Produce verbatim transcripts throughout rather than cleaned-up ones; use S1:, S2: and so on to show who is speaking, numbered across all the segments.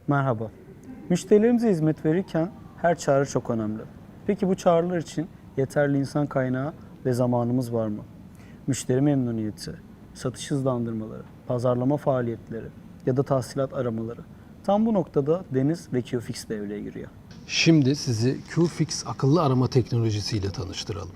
S1: Merhaba. Müşterilerimize hizmet verirken her çağrı çok önemli. Peki bu çağrılar için yeterli insan kaynağı ve zamanımız var mı? Müşteri memnuniyeti, satış hızlandırmaları, pazarlama faaliyetleri ya da tahsilat aramaları. Tam bu noktada Deniz ve Qfix devreye giriyor.
S2: Şimdi sizi Qfix akıllı arama teknolojisiyle tanıştıralım.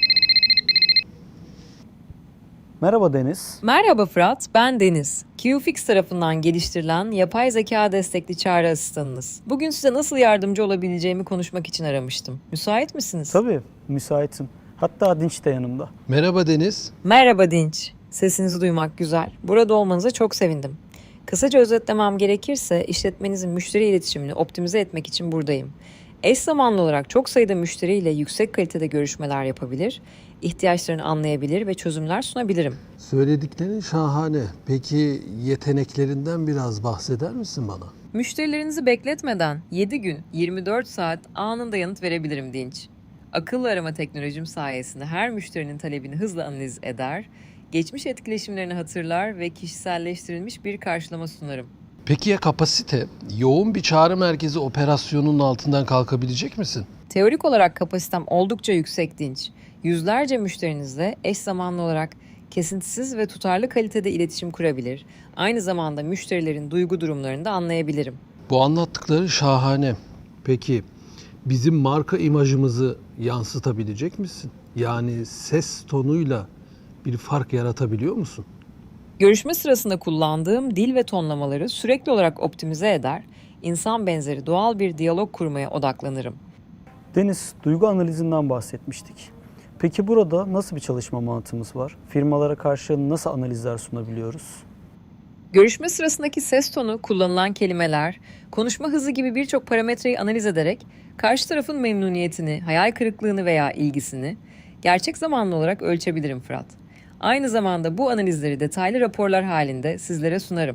S1: Merhaba Deniz.
S3: Merhaba Fırat, ben Deniz. Qfix tarafından geliştirilen yapay zeka destekli çağrı asistanınız. Bugün size nasıl yardımcı olabileceğimi konuşmak için aramıştım. Müsait misiniz?
S1: Tabii, müsaitim. Hatta Dinç de yanımda.
S2: Merhaba Deniz.
S3: Merhaba Dinç. Sesinizi duymak güzel. Burada olmanıza çok sevindim. Kısaca özetlemem gerekirse işletmenizin müşteri iletişimini optimize etmek için buradayım. Eş zamanlı olarak çok sayıda müşteriyle yüksek kalitede görüşmeler yapabilir, ihtiyaçlarını anlayabilir ve çözümler sunabilirim.
S2: Söylediklerin şahane. Peki yeteneklerinden biraz bahseder misin bana?
S3: Müşterilerinizi bekletmeden yedi gün yirmi dört saat anında yanıt verebilirim Dinç. Akıllı arama teknolojim sayesinde her müşterinin talebini hızla analiz eder, geçmiş etkileşimlerini hatırlar ve kişiselleştirilmiş bir karşılama sunarım.
S2: Peki ya kapasite? Yoğun bir çağrı merkezi operasyonunun altından kalkabilecek misin?
S3: Teorik olarak kapasitem oldukça yüksek Dinç. Yüzlerce müşterinizle eş zamanlı olarak kesintisiz ve tutarlı kalitede iletişim kurabilir, aynı zamanda müşterilerin duygu durumlarını da anlayabilirim.
S2: Bu anlattıkları şahane. Peki bizim marka imajımızı yansıtabilecek misin? Yani ses tonuyla bir fark yaratabiliyor musun?
S3: Görüşme sırasında kullandığım dil ve tonlamaları sürekli olarak optimize eder, insan benzeri doğal bir diyalog kurmaya odaklanırım.
S1: Deniz, duygu analizinden bahsetmiştik. Peki burada nasıl bir çalışma mantığımız var? Firmalara karşı nasıl analizler sunabiliyoruz?
S3: Görüşme sırasındaki ses tonu, kullanılan kelimeler, konuşma hızı gibi birçok parametreyi analiz ederek karşı tarafın memnuniyetini, hayal kırıklığını veya ilgisini gerçek zamanlı olarak ölçebilirim Fırat. Aynı zamanda bu analizleri detaylı raporlar halinde sizlere sunarım.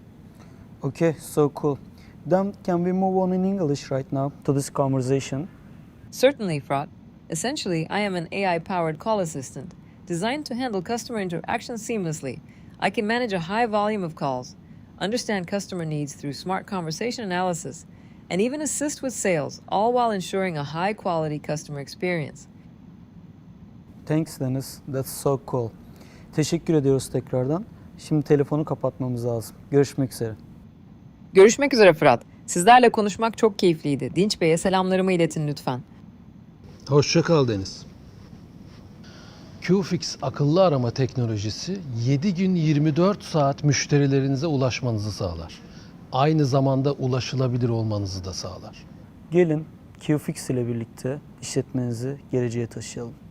S1: Okay, so cool. Then can we move on in English right now to this conversation?
S3: Certainly, Fırat. Essentially, I am an A I-powered call assistant designed to handle customer interaction seamlessly. I can manage a high volume of calls, understand customer needs through smart conversation analysis, and even assist with sales, all while ensuring a high-quality customer experience.
S1: Thanks Deniz, that's so cool. Teşekkür ediyoruz tekrardan. Şimdi telefonu kapatmamız lazım. Görüşmek üzere.
S3: Görüşmek üzere Fırat. Sizlerle konuşmak çok keyifliydi. Dinç Bey'e selamlarımı iletin lütfen.
S2: Hoşça kal Deniz. Qfix akıllı arama teknolojisi yedi gün yirmi dört saat müşterilerinize ulaşmanızı sağlar. Aynı zamanda ulaşılabilir olmanızı da sağlar.
S1: Gelin Qfix ile birlikte işletmenizi geleceğe taşıyalım.